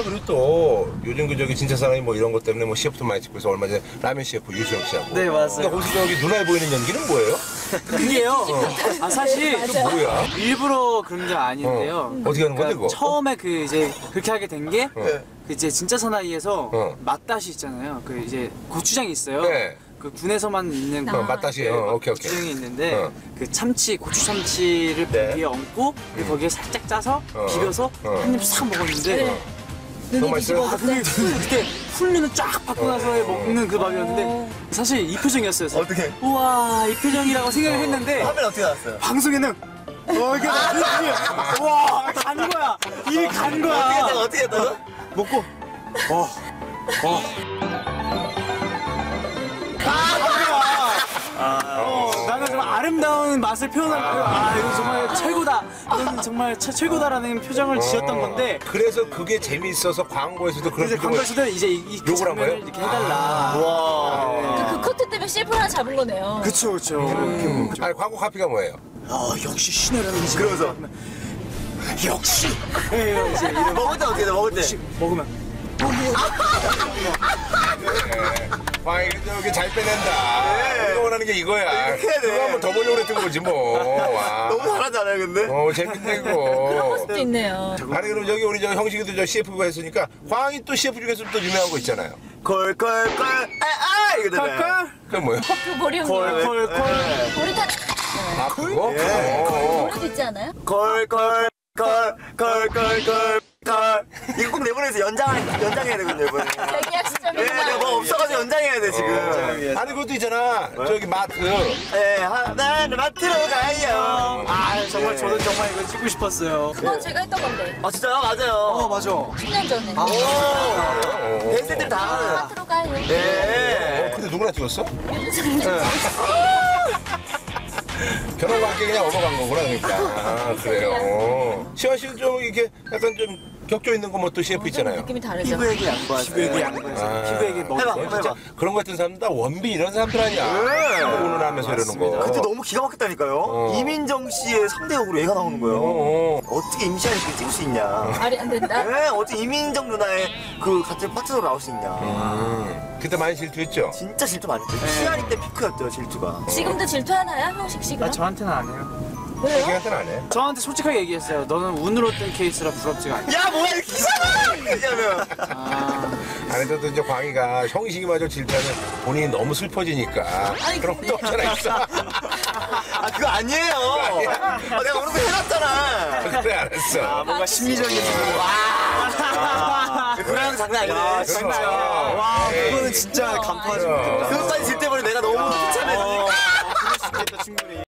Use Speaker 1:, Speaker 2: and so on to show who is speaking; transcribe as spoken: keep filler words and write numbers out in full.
Speaker 1: 그리고 또 요즘 그 저기 진짜 사나이 뭐 이런 것 때문에 뭐 씨에프도 많이 찍고 있어. 얼마 전에 라면 씨에프 유수영 씨하고.
Speaker 2: 네, 맞아요.
Speaker 1: 근데 거기서 저기 눈에 보이는 연기는 뭐예요?
Speaker 2: 그게요. 어. 아 사실
Speaker 1: 그 뭐야?
Speaker 2: 일부러 그런 게 아닌데요.
Speaker 1: 어. 어떻게 하는 건데 그거?
Speaker 2: 처음에 그 이제 그렇게 하게 된 게
Speaker 1: 어.
Speaker 2: 그 이제 진짜 사나이에서
Speaker 1: 어.
Speaker 2: 맛다시 있잖아요. 그 이제 고추장이 있어요.
Speaker 1: 네.
Speaker 2: 그 군에서만 있는
Speaker 1: 어, 맛다시. 어, 오케이 오케이.
Speaker 2: 고추장이 있는데
Speaker 1: 어.
Speaker 2: 그 참치 고추 참치를
Speaker 1: 네.
Speaker 2: 위에 얹고 그리고 거기에 살짝 짜서
Speaker 1: 어.
Speaker 2: 비벼서
Speaker 1: 어.
Speaker 2: 한 입 싹 먹었는데
Speaker 3: 네.
Speaker 1: 너무 맛있어요?
Speaker 2: 아, 그게 그때 풀리는 쫙 받고 나서 먹는 그 밥이었는데 사실 이 표정이었어요. 사실.
Speaker 4: 어떻게?
Speaker 2: 우와 이 표정이라고 생각을 했는데
Speaker 4: 화면 어떻게 나왔어요?
Speaker 2: 방송에는 어 이게 와 간 거야 이게 간 거야
Speaker 4: 어떻게 했다가 어떻게 했다가?
Speaker 2: 먹고 어 어. 어, 나는 정말 아름다운 맛을 표현할 거야. 아, 이거 정말 최고다. 이건 정말 최, 최고다라는 표정을 지었던 건데.
Speaker 1: 그래서 그게 재미있어서 광고에서도 그런
Speaker 2: 이제
Speaker 1: 표정을-
Speaker 2: 광고에서도 이제 이, 이 그
Speaker 1: 욕을 한
Speaker 2: 장면을
Speaker 1: 거예요?
Speaker 2: 이렇게 해달라.
Speaker 3: 그, 그 커트 때문에 셰프 하나 잡은 거네요.
Speaker 2: 그쵸, 그쵸.
Speaker 1: 아니 광고 카피가 뭐예요?
Speaker 2: 아, 역시 신혜라는 지
Speaker 4: 그러면서
Speaker 2: 역시. 예, 이제 이런
Speaker 4: 먹을 때 어떻게 돼? 먹을 때?
Speaker 2: 역시 먹으면.
Speaker 1: 네. 광희 저기 잘 빼낸다. 우리가 원하는 게 이거야.
Speaker 4: 이렇게 해야 돼.
Speaker 1: 그거 한번 더 보려고 그랬던 거지 뭐. 와.
Speaker 4: 너무 잘하잖아요 근데?
Speaker 1: 어 재밌네 이거.
Speaker 3: 또 있네요.
Speaker 1: 아니 그럼 여기 우리 저 형식이도 저 씨에프가 했으니까 광희 또 씨에프 중에서 또 유명한 거 있잖아요.
Speaker 4: 콜콜콜 아아 이거잖아요.
Speaker 1: 그게 뭐예요?
Speaker 3: 그 머리 형님.
Speaker 2: 콜콜콜.
Speaker 3: 머리 다.
Speaker 1: 아 그거?
Speaker 4: 예.
Speaker 1: 어.
Speaker 3: 머리도 있지 않아요?
Speaker 4: 콜콜콜콜콜콜콜 이거 꼭 내보내서 연장 연장해야 되거든요 이번에.
Speaker 3: 계약
Speaker 4: 예,
Speaker 3: 시점이구나.
Speaker 4: 내가 뭐 없어가지고 연장해야 돼 지금.
Speaker 1: 아니 그것도 있잖아. 저기 마트.
Speaker 4: 예, 하나는 마트로 가요.
Speaker 2: 아, 정말 저는 정말 이거 찍고 싶었어요.
Speaker 3: 그건 제가 했던 건데.
Speaker 4: 아 진짜요? 맞아요.
Speaker 2: 어, 맞아.
Speaker 3: 십 년 전에.
Speaker 4: 오, 대세들 다 하는.
Speaker 3: 마트로 가요.
Speaker 4: 네.
Speaker 1: 근데 누구나 찍었어? 결혼과 함께 그냥 넘어간 거구나 그러니까. 아 그래요. 시원 씨는 좀 이렇게 약간 좀 격조 있는 거 뭐 또 씨에프 있잖아요.
Speaker 3: 느낌이 다르죠.
Speaker 4: 피부에게 양보하세요.
Speaker 2: 피부에게 양보해서.
Speaker 1: 아.
Speaker 2: 피부에게 먹을
Speaker 4: 해봐,
Speaker 2: 거.
Speaker 4: 해봐.
Speaker 1: 진짜 그런 것 같은 사람들 다 원빈 이런 사람들 아니야.
Speaker 4: 네.
Speaker 1: 오늘 하면서 이러는 거.
Speaker 4: 그때 너무 기가 막혔다니까요.
Speaker 1: 어.
Speaker 4: 이민정 씨의 삼 대 역으로 얘가 나오는 거예요.
Speaker 1: 어, 어.
Speaker 4: 어떻게 임시완이 그렇게 찍을 수 있냐.
Speaker 3: 말이 안 된다.
Speaker 4: 네, 어떻게 이민정 누나의 그 같은 파트너로 나올 수 있냐.
Speaker 1: 음. 그때 많이 질투했죠?
Speaker 4: 진짜 질투 많이 했죠. 시안이 때 피크였죠, 질투가.
Speaker 3: 지금도 질투하나요, 형식 씨가?
Speaker 2: 아, 저한테는 안 해요.
Speaker 3: 왜요?
Speaker 1: 자기한테는 안 해.
Speaker 2: 저한테 솔직하게 얘기했어요. 너는 운으로 뜬 케이스라 부럽지가 않아.
Speaker 4: 야, 뭐야, 이렇게 이상해! 이러면.
Speaker 2: 아,
Speaker 1: 아니, 저도 이제 광희가 형식이마저 질투하면 본인이 너무 슬퍼지니까.
Speaker 3: 아니,
Speaker 1: 그런 것도 없잖아, 있어.
Speaker 4: 아, 그거 아니에요. 아, 내가 오늘 거 해놨잖아.
Speaker 1: 그래, 알았어.
Speaker 2: 아, 뭔가 심리적인.
Speaker 4: 와. 그거랑 장난 아니네.
Speaker 1: 그럼.
Speaker 4: 진짜.
Speaker 2: 와,
Speaker 1: 에이.
Speaker 2: 그거는 진짜 간파하지 못한다.
Speaker 4: 그것까지 질때